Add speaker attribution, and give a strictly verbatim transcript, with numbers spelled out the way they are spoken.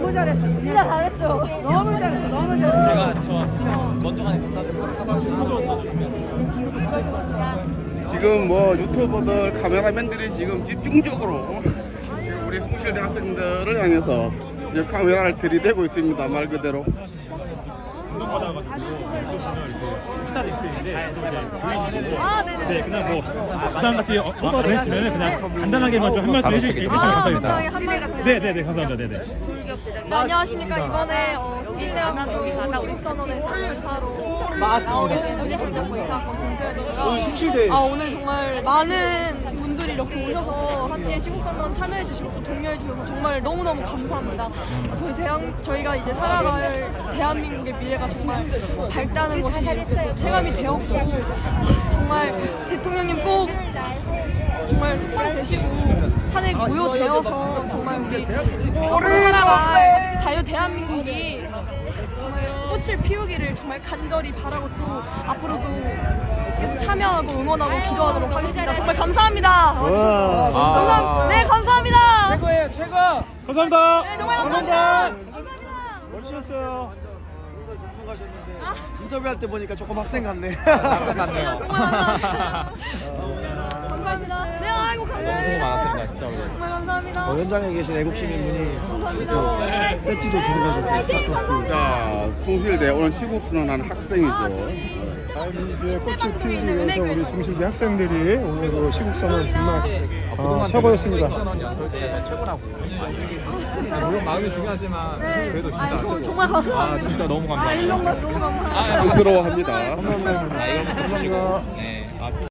Speaker 1: 너무 잘했어. 진짜 잘했죠. 너무 잘했어. 너무 잘했어.
Speaker 2: 제가 저 먼저 가는 감사드립니다.
Speaker 3: 지금 뭐 유튜버들 카메라맨들이 지금 집중적으로 지금 우리 숭실대 학생들을 향해서 이제 카메라를 들이대고 있습니다. 말 그대로.
Speaker 1: 아, 네네.
Speaker 4: 네, 그냥 뭐 부담 같이 어, 안 했으면 그냥 간단하게만 좀 한 말씀 해주시면 감사하겠습니다.
Speaker 1: 감사합니다.
Speaker 4: 네, 네, 네, 감사합니다. 네, 네.
Speaker 1: 네, 안녕하십니까. 이번에 어, 숭실대학교 시국선언에서 인사로 나오게 된 문희창정부 인사학번 동서연이고요. 아, 오늘 정말 많은 분들이 이렇게 오셔서 함께 시국선언 참여해 주시고 또 독려해 주셔서 정말 너무너무 감사합니다. 아, 저희 대한, 저희가 이제 살아갈 대한민국의 미래가 정말 밝다는 것이 이렇게 또 체감이 되었고, 아, 정말 대통령님 꼭 정말 석방되시고 탄핵 무효되어서 정말 우리 앞으로 살아갈 자유 대한민국이 정말 꽃을 피우기를 정말 간절히 바라고 또 앞으로도 계속 참여하고 응원하고 기도하도록 하겠습니다. 정말 감사합니다. 와, 감사합니다. 네, 감사합니다.
Speaker 2: 최고예요, 최고.
Speaker 4: 감사합니다.
Speaker 1: 네, 정말 감사합니다. 감사합니다.
Speaker 4: 멋지셨어요.
Speaker 5: 인터뷰할 때 보니까 조금 학생 같네.
Speaker 2: 학생 같네요.
Speaker 1: 정말 감사합니다. 감사합니다. 네, 아이고 감사합니다.
Speaker 2: 너무 많았습니다, 진짜.
Speaker 1: 정말 감사합니다.
Speaker 5: 어, 현장에 계신 애국 시민분이
Speaker 1: 감사합니다.
Speaker 5: 배지도 주고 가셨어요. 스타커스트.
Speaker 3: 자, 숭실대 오늘 시국선언한 학생이죠.
Speaker 6: 이제 꽃을 피우기 위해서 우리 숭실대 학생들이 오늘 시국선언 정말 아, 최고였습니다.
Speaker 2: 최고라고. 물론 마음이 중요하지만 그래도 진짜
Speaker 1: 아, 저,
Speaker 2: 최고.
Speaker 1: 정말 감사합니다.
Speaker 2: 아, 진짜 너무
Speaker 1: 아,
Speaker 2: 감사합니다.
Speaker 1: 일론 봤어. 너무 감사합니다.
Speaker 3: 쑥스러워합니다.
Speaker 6: 감사합니다.
Speaker 2: 아, 이거 감사합니다.
Speaker 6: 감사합니다.
Speaker 2: 네.